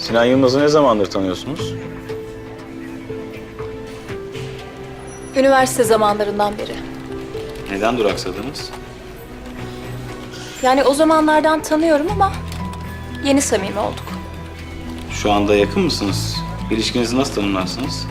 Sinan Yılmaz'ı ne zamandır tanıyorsunuz? Üniversite zamanlarından beri. Neden duraksadınız? Yani o zamanlardan tanıyorum ama yeni samimi olduk. Şu anda yakın mısınız? İlişkinizi nasıl tanımlarsınız?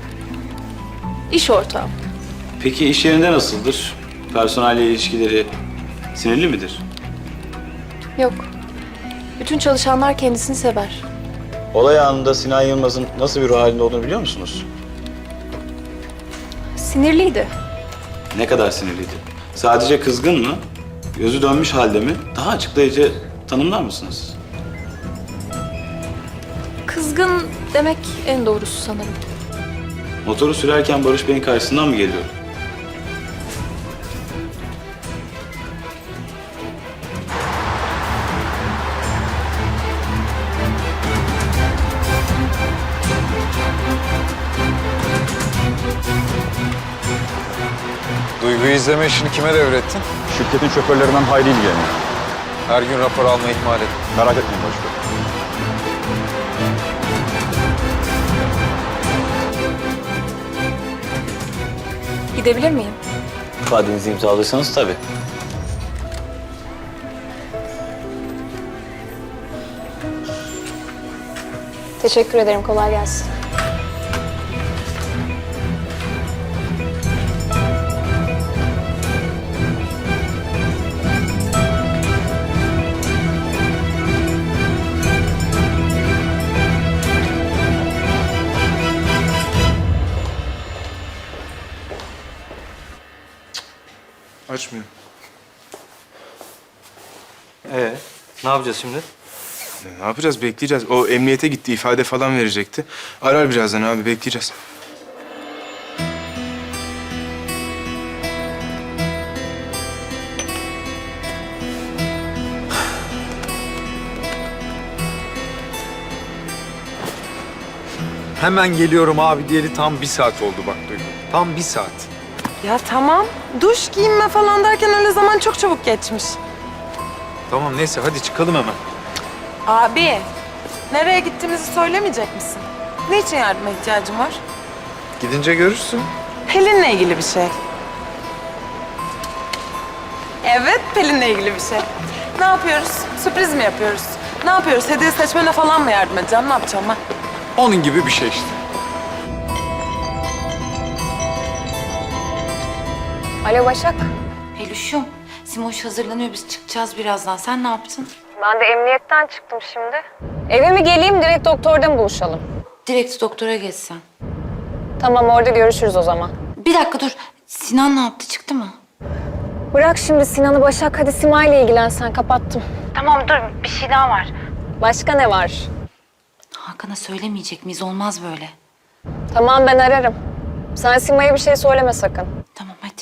İş ortağım. Peki iş yerinde nasıldır? Personelle ilişkileri sinirli midir? Yok. Bütün çalışanlar kendisini sever. Olay anında Sinan Yılmaz'ın nasıl bir ruh halinde olduğunu biliyor musunuz? Sinirliydi. Ne kadar sinirliydi? Sadece kızgın mı? Gözü dönmüş halde mi? Daha açıklayıcı tanımlar mısınız? Kızgın demek en doğrusu sanırım. Motoru sürerken Barış Bey'in karşısından mı geliyor? Duygu'yu izleme işini kime devrettin? Şirketin şoförlerinden Hayri ilgileniyor. Her gün rapor alma ihmal et. Merak etmeyin Barış Bey. Gidebilir miyim? İfadenizi imzaladıysanız tabii. Teşekkür ederim. Kolay gelsin. Açmıyor. Ne yapacağız şimdi? Ne yapacağız? Bekleyeceğiz. O emniyete gitti, ifade falan verecekti. Arar birazdan abi, bekleyeceğiz. Hemen geliyorum abi diyeli tam 1 saat oldu bak Duygu. Tam 1 saat. Ya tamam. Duş, giyinme falan derken öyle zaman çok çabuk geçmiş. Tamam neyse hadi çıkalım hemen. Abi, nereye gittiğimizi söylemeyecek misin? Ne için yardıma ihtiyacın var? Gidince görürsün. Pelin'le ilgili bir şey. Evet, Pelin'le ilgili bir şey. Ne yapıyoruz? Sürpriz mi yapıyoruz? Ne yapıyoruz? Hediye seçmene falan mı yardım edeceğim? Ne yapacağım ben? Onun gibi bir şey işte. Alo Başak. Peluşum, Simoş hazırlanıyor. Biz çıkacağız birazdan. Sen ne yaptın? Ben de emniyetten çıktım şimdi. Eve mi geleyim, direkt doktorda mı buluşalım? Direkt doktora geçsen. Tamam, orada görüşürüz o zaman. Bir dakika dur. Sinan ne yaptı? Çıktı mı? Bırak şimdi Sinan'ı Başak, hadi Sima'yla ilgilen sen, kapattım. Tamam dur. Bir şey daha var. Başka ne var? Hakan'a söylemeyecek miyiz? Olmaz böyle. Tamam, ben ararım. Sen Sima'ya bir şey söyleme sakın. Tamam hadi.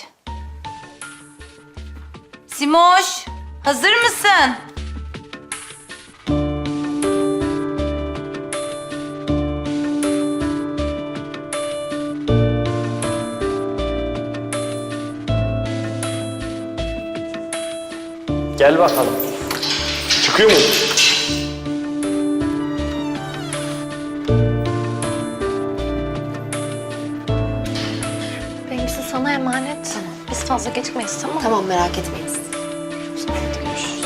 Simoş, hazır mısın? Gel bakalım. Çıkıyor mu? Benimkisi sana emanet. Tamam. Biz fazla gecikmeyiz, tamam mı? Tamam merak etmeyiz. Hadi görüşürüz.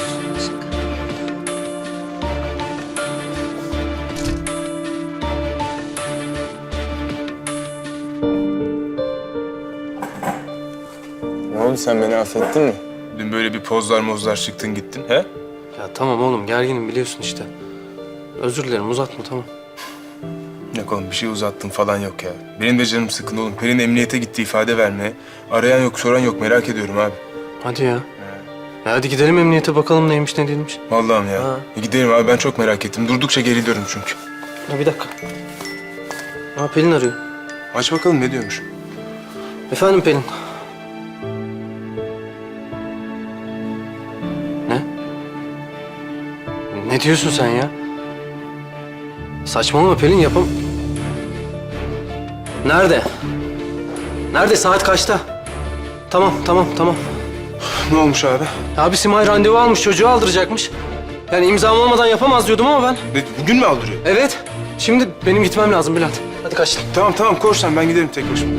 Ne oldu, sen beni affettin mi? Dün böyle bir pozlar çıktın gittin, he? Ya tamam oğlum gerginim biliyorsun işte. Özür dilerim uzatma tamam. Yok oğlum, bir şey uzattın falan yok ya. Benim de canım sıkın oğlum. Pelin emniyete gitti ifade vermeye. Arayan yok, soran yok. Merak ediyorum abi. Hadi ya. Ya hadi gidelim emniyete bakalım neymiş ne değilmiş. Vallahi ya. Ha. Gidelim abi, ben çok merak ettim. Durdukça geriliyorum çünkü. Ya bir dakika. Pelin arıyor. Aç bakalım ne diyormuş. Efendim Pelin. Ne? Ne diyorsun sen ya? Saçmalama Pelin yapam... Nerede? Nerede? Saat kaçta? Tamam. Ne olmuş abi? Abi Simay randevu almış, çocuğu aldıracakmış. Yani imzam olmadan yapamaz diyordum ama ben. Bugün mü aldırıyor? Evet. Şimdi benim gitmem lazım Bülent. Hadi kaçtım. Tamam koş sen, ben giderim tek başıma.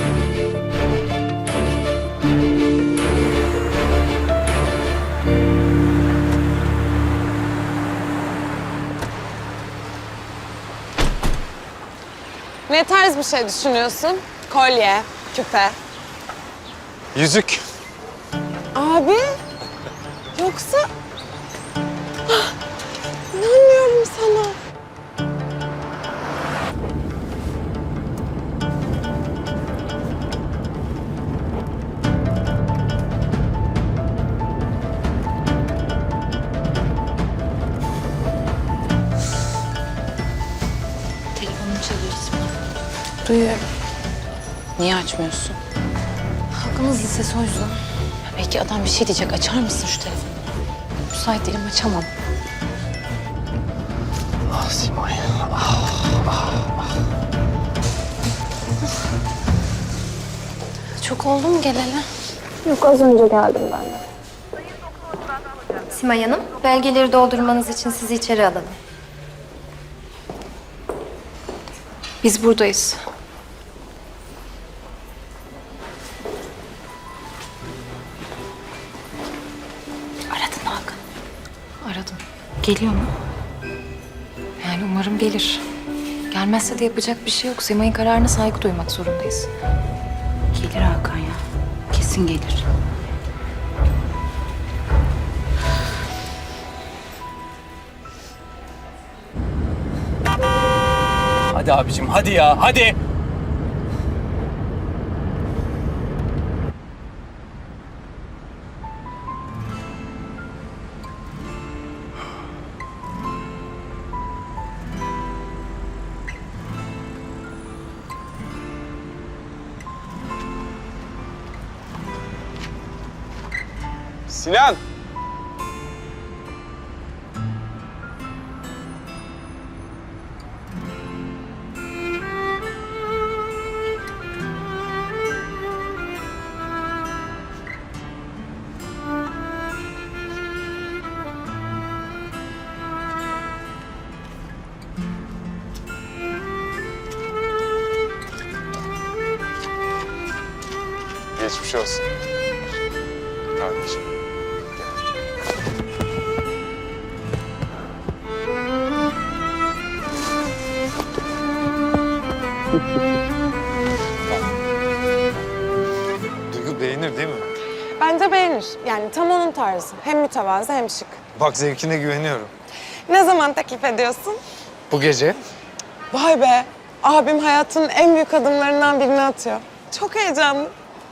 Ne tarz bir şey düşünüyorsun? Kolye, küpe. Yüzük. Abi, yoksa... Ah, İnanmıyorum sana. Telefonum çalıyor Simay. Duyuyorum. Niye açmıyorsun? Hakkınız lisesi o yüzden. Belki adam bir şey diyecek. Açar mısın şu telefonu? Müsait değilim, açamam. Ah Simay. Çok oldu mu geleli? Yok, az önce geldim ben de. Simay Hanım, belgeleri doldurmanız için sizi içeri alalım. Biz buradayız. Aradın mı Hakan? Aradım. Geliyor mu? Yani umarım gelir. Gelmezse de yapacak bir şey yok. Simay'ın kararına saygı duymak zorundayız. Gelir Hakan ya. Kesin gelir. Hadi abicim hadi ya hadi. Sinan! Geçmiş olsun. Kardeşim. Duygu beğenir değil mi? Bence beğenir. Yani tam onun tarzı. Hem mütevazı hem şık. Bak zevkine güveniyorum. Ne zaman teklif ediyorsun? Bu gece Vay be! Abim hayatının en büyük adımlarından birini atıyor. Çok heyecanlı.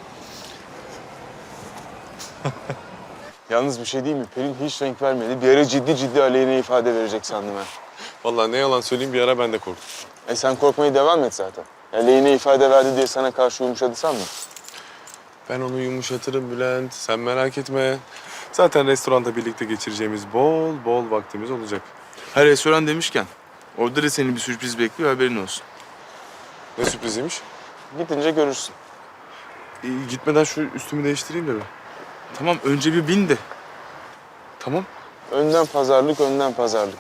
Yalnız bir şey değil mi? Pelin hiç renk vermedi. Bir ara ciddi aleyhine ifade verecek sandım ben. Vallahi ne yalan söyleyeyim bir ara ben de korktum. Sen korkmaya devam et zaten. Aleyhine ifade verdi diye sana karşı yumuşadı sanma. Ben onu yumuşatırım Bülent. Sen merak etme. Zaten restoranda birlikte geçireceğimiz bol vaktimiz olacak. Ha, restoran demişken orada da seni bir sürpriz bekliyor, haberin olsun. Ne sürpriziymiş? Gidince görürsün. Gitmeden şu üstümü değiştireyim de bir. Tamam, önce bir bin de. Tamam. Önden pazarlık, önden pazarlık.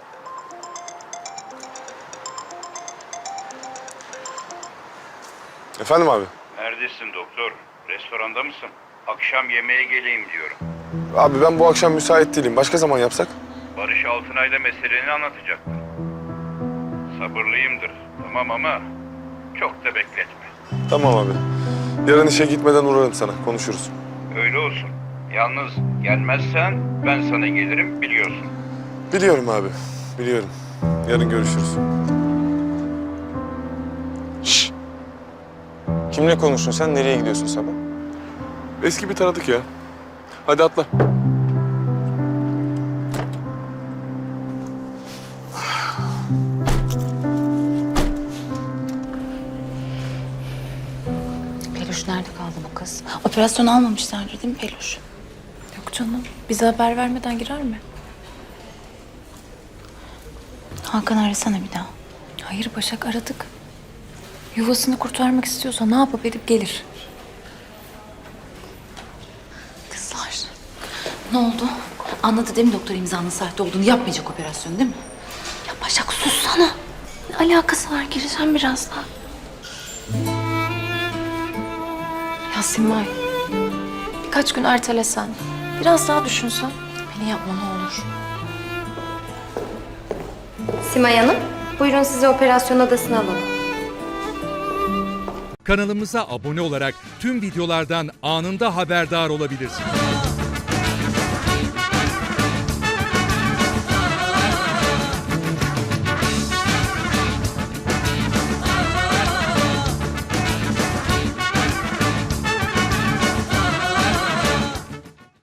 Efendim abi? Neredesin doktor? Restoranda mısın? Akşam yemeğe geleyim diyorum. Abi ben bu akşam müsait değilim. Başka zaman yapsak? Barış Altınay'la meseleni anlatacaktım. Sabırlıyımdır. Tamam ama çok da bekletme. Tamam abi. Yarın işe gitmeden uğrarım sana. Konuşuruz. Öyle olsun. Yalnız gelmezsen ben sana gelirim biliyorsun. Biliyorum abi. Biliyorum. Yarın görüşürüz. Şşş! Kimle konuştun sen? Nereye gidiyorsun sabah? Eski bir tanıdık ya. Hadi atla. Peluş nerede kaldı bu kız? Operasyon almamışlardır değil mi Peluş? Yok canım. Bize haber vermeden girer mi? Hakan arasana bir daha. Hayır Başak, aradık. Yuvasını kurtarmak istiyorsa ne yapıp edip gelir. Kızlar. Ne oldu? Anladı değil mi doktor imzanın sahte olduğunu? Yapmayacak operasyonu değil mi? Ya Başak sussana. Ne alakası var? Gireceğim birazdan. Ya Simay, birkaç gün ertelesen, biraz daha düşünsen. Beni yapma ne olur. Simay Hanım, buyurun sizi operasyon odasına alalım. Kanalımıza abone olarak tüm videolardan anında haberdar olabilirsiniz.